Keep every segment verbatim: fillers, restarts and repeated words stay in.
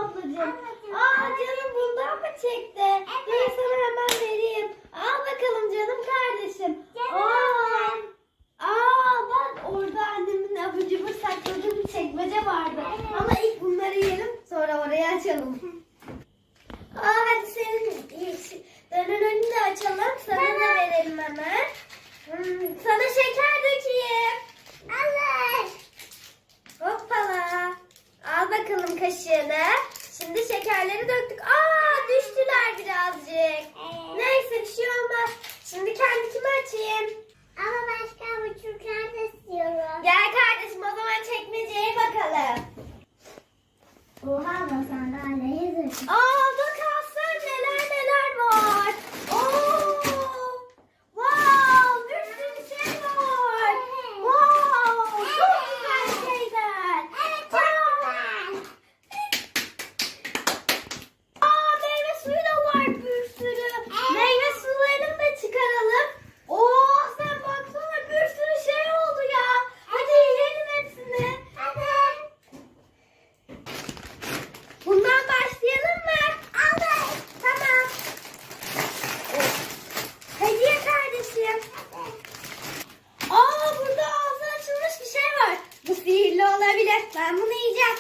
ablacığım. Aa canım bundan mı çekti? Evet. Dur sana hemen vereyim. Al bakalım canım kardeşim. Aa, aa bak orada annemin abur cubur sakladığı bir çekmece vardı. Evet. Ama ilk bunları yiyelim sonra orayı açalım. Aa hadi senin önünü de açalım. Sana da verelim hemen. Hmm, sana şeker dökeyim. Alır. Hoppala. Al bakalım kaşığını. Şimdi şekerleri döktük. Aa düştüler birazcık. Evet. Neyse bir şey olmaz. Şimdi kendimi açayım. Ama başka buçuklar da istiyorum. Gel kardeşim o zaman çekmeceye bakalım. Oha da sandalye yazır. Aa bak Aslan neler neler var. Oo. Wow bir sürü şey var. Evet. Wow çok güzel şeyler. Evet çok güzel. Aa meyve suyu da var bir sürü. Evet. Meyve sularını da çıkaralım. Oo sen baksana bir sürü şey oldu ya. Hadi yiyelim hepsini. Hadi. Bundan başlayalım mı? Alır. Tamam. Hediye kardeşim. Aa burada ağzı açılmış bir şey var. Bu sihirli olabilir. Ben bunu yiyeceğim.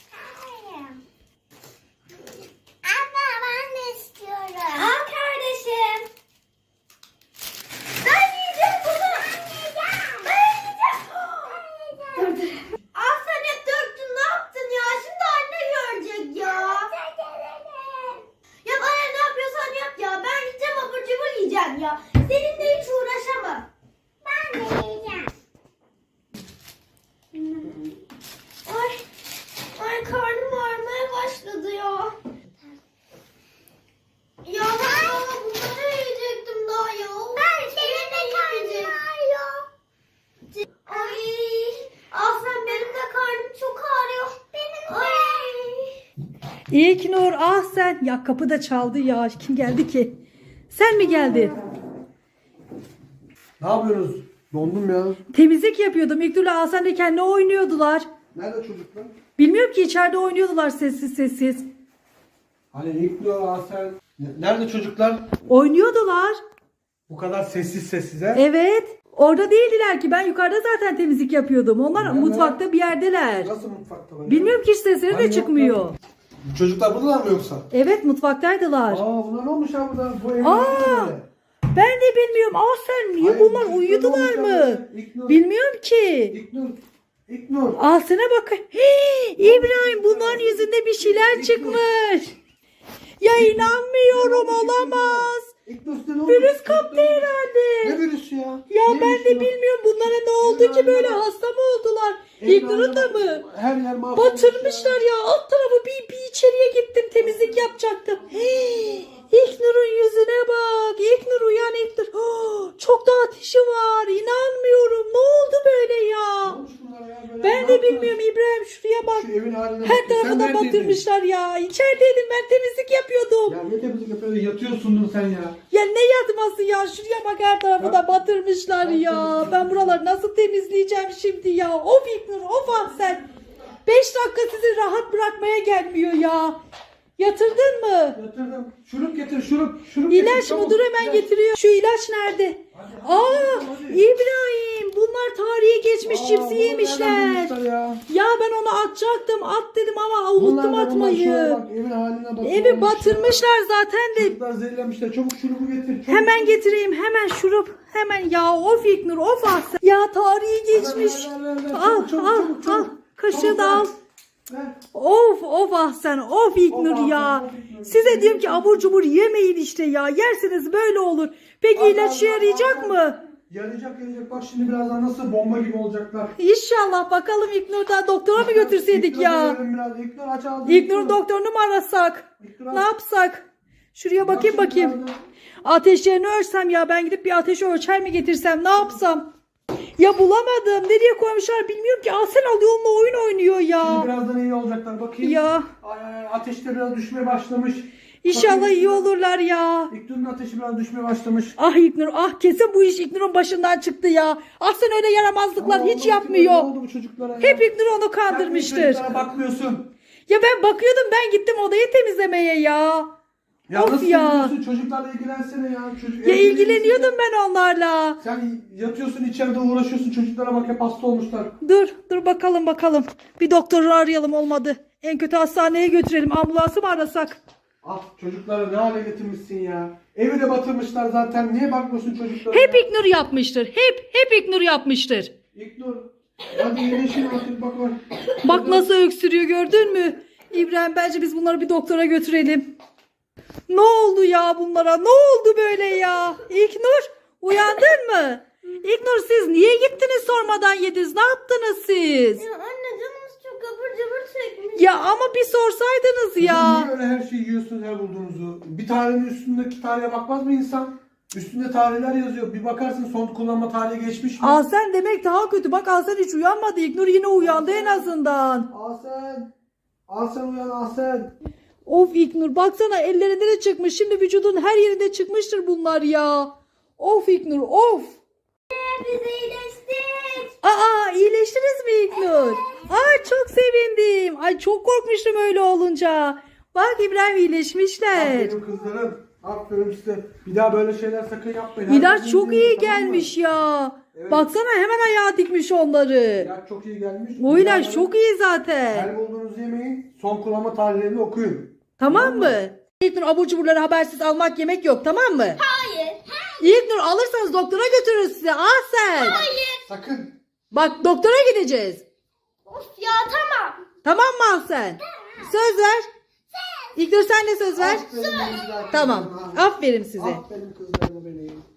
Anne ben de istiyorum. Al kardeşim. Ben yiyeceğim bunu. Ben yiyeceğim. Ben yiyeceğim. Dur dur. Al sen hep döktün ne yaptın ya? Şimdi anne görecek ya. Ya bana ne yapıyorsan yap ya. Ben gideceğim abur cubur yiyeceğim ya. Seninle hiç uğraşamam. Ben de yiyeceğim. Hmm. Ay, ay karnım ağrımaya başladı ya. Ya ben baba bunları yiyecektim daha ya. Ben senin de karnın ağrıyor. Ay, Aslan benim de karnım çok ağrıyor. Benim de. Ay. İlknur ah sen. Ya kapı da çaldı ya. Kim geldi ki? Sen mi geldin? Ne yapıyorsunuz? Dondum ya. Temizlik yapıyordum. İlknur'la Hasan da kendi oynuyordular. Nerede çocuklar? Bilmiyorum ki içeride oynuyordular sessiz sessiz. Hani İlknur, Asel. Nerede çocuklar? Oynuyordular. Bu kadar sessiz sessiz he? Evet. Orada değildiler ki. Ben yukarıda zaten temizlik yapıyordum. Onlar Nerede? mutfakta bir yerdeler. Nasıl mutfakta var? Bilmiyorum ki hiç sesleri Hani de çıkmıyor. yoklar? Bu çocuklar buradalar mı yoksa? Evet mutfaktaydılar. Aa bunlar ne olmuş ha burada? Bu evin Aa! böyle. Ben de bilmiyorum. Aa sen niye Hayır, bunlar çocuklar uyudular olmuş mı? ya. İlknur. Bilmiyorum ki. İlknur. İlknur. Altına bakın. Hii, İbrahim bunların yüzünde bir şeyler çıkmış. Ya inanmıyorum olamaz. İlknur size ne olmuş? Virüs kaptı herhalde. Ne virüsü ya? Ya Ne ben virüsü de ya? bilmiyorum bunlara ne oldu ki böyle hasta mı oldular? İlknur'un da mı? Her yer mahvolmuş Batırmışlar ya. Alt tarafı bir, bir içeriye gittim temizlik yapacaktım. Hii, İlknur'un yüzüne bak. İlknur uyan İlknur. Oh, çok da ateşi var. İnanmıyorum. Ne oldu böyle ya? Ne olmuş bunlara ya böyle? Ben Ne de yaptınız? bilmiyorum İbrahim şuraya bak. Şu evin haline Her bak. Sen tarafı da neredeydin? batırmışlar ya. İçerideydim ben temizlik yapıyordum. Ya ne temizlik yapıyordun? Yatıyorsundun sen ya. Ya ne yatması ya? Şuraya bak her tarafı da batırmışlar ya. Ben buraları nasıl temizleyeceğim şimdi ya? Of İlknur of Ahsen. Beş dakika sizi rahat bırakmaya gelmiyor ya. Yatırdın mı? Yatırdım. Şurup getir şurup. Şurup getir, İlaç mı? çabuk. Dur hemen İlaç. getiriyor. Şu ilaç nerede? Hadi, Aa hadi, hadi. İbrahim bunlar tarihe geçmiş Aa, cipsi bunları yemişler. nereden bulmuşlar Ya. Ya ben onu atacaktım at dedim ama unuttum Bunlar da bunlar, atmayı. şuraya bak, evin haline bak. Evi batırmışlar zaten de. Çocuklar zehirlenmişler. Çabuk şurubu getir. Çabuk. Hemen getireyim hemen şurup hemen ya of İlknur of Ahsen. Ya tarihi geçmiş. Ver, ver, ver, ver. Al Çabuk, çabuk, al çabuk, al çabuk. kaşığı Çabuk, da ver. al. Ver. Of of Ahsen of İlknur Of ya. Ahsen, of İlknur. Size diyorum ki abur cubur yemeyin işte ya. Yerseniz böyle olur. Peki Al, ilaç al, işe al, yarayacak al. mı? Yarayacak yarayacak. Bak şimdi birazdan nasıl bomba gibi olacaklar. İnşallah bakalım İlknur'da doktora mı götürseydik İlknur'u ya? verelim biraz. İlknur aç ağzını. İlknur'un doktorunu mu arasak? İlknur Ne aç. yapsak? Şuraya Bak bakayım şimdi bakayım. birazdan. Ateşlerini ölçsem ya ben gidip bir ateşi ölçer mi getirsem ne yapsam? Ya bulamadım. Nereye koymuşlar bilmiyorum ki. Asel alıyor onunla oyun oynuyor Şimdi ya. birazdan iyi olacaklar. Bakayım. Ya Ay, ay, ay, ateşte biraz düşmeye başlamış. inşallah Bakayım. iyi olurlar ya. İlknur'un ateşi biraz düşmeye başlamış. Ah İlknur ah kesin bu iş İlknur'un başından çıktı ya. Ah sen öyle yaramazlıklar Aa, hiç oldu, yapmıyor. Ne oldu bu çocuklara ya? Hep İlknur onu Sen niye kandırmıştır. çocuklara bakmıyorsun. Ya ben bakıyordum, ben gittim odayı temizlemeye ya. Ya Of nasıl ya. yapıyorsun? Çocuklarla ilgilensene ya. Çocuk, Ya evde ilgileniyordum değilsin ben onlarla. ya. Sen yatıyorsun içeride uğraşıyorsun. Çocuklara bak hep hasta olmuşlar. Dur dur bakalım bakalım. Bir doktoru arayalım, olmadı. En kötü hastaneye götürelim. Ambulansı mı arasak? Ah çocukları ne hale getirmişsin ya. Evi de batırmışlar zaten. Niye bakmıyorsun çocuklara? Hep ya? İknur yapmıştır. Hep hep İknur yapmıştır. İlknur. Hadi iyileşin artık bak bak. Bak nasıl öksürüyor, gördün mü? İbrahim, bence biz bunları bir doktora götürelim. Ne oldu ya bunlara? Ne oldu böyle ya? İlknur, uyandın mı? İlknur, siz niye gittiniz sormadan yediniz? Ne yaptınız siz? Ya anne canımız çok abur cubur çekmiş. Ya ama bir sorsaydınız Kızım, ya. niye öyle her şeyi yiyorsunuz her bulduğunuzu? Bir tarihin üstündeki tarihe bakmaz mı insan? Üstünde tarihler yazıyor. Bir bakarsın son kullanma tarihi geçmiş mi? Asen demek daha kötü. Bak Asen hiç uyanmadı. İlknur yine uyandı en azından. Asen. Asen uyan Asen. Of İlknur, baksana ellerinde de çıkmış. Şimdi vücudun her yerinde çıkmıştır bunlar ya. Of İlknur, of. Biz iyileştik. Aa, iyileştiniz mi İlknur? Ay çok sevindim. Ay çok korkmuştum öyle olunca. Bak İbrahim, iyileşmişler. Aferin kızlarım. Aferin size. Bir daha böyle şeyler sakın yapmayın. İlaç Herkes çok izleyin, iyi tamam mı? gelmiş ya. Evet. Baksana hemen ayağa dikmiş onları. İlaç çok iyi gelmiş. O ilaç Bunları çok iyi zaten. Her bulduğunuzu yemeyin. Son kullanma tarihlerini okuyun. Tamam mı? İlknur, abur cuburları habersiz almak, yemek yok, tamam mı? Hayır. İlknur, alırsanız doktora götürürüz size. Ah sen. Hayır. Sakın. Bak doktora gideceğiz. Of ya tamam. Tamam mı Ahsen? Söz ver. İlknur, sen de söz ver. Aferin kızlar, Tamam. kızlarıma. Aferin size. Aferin kızlarıma benim.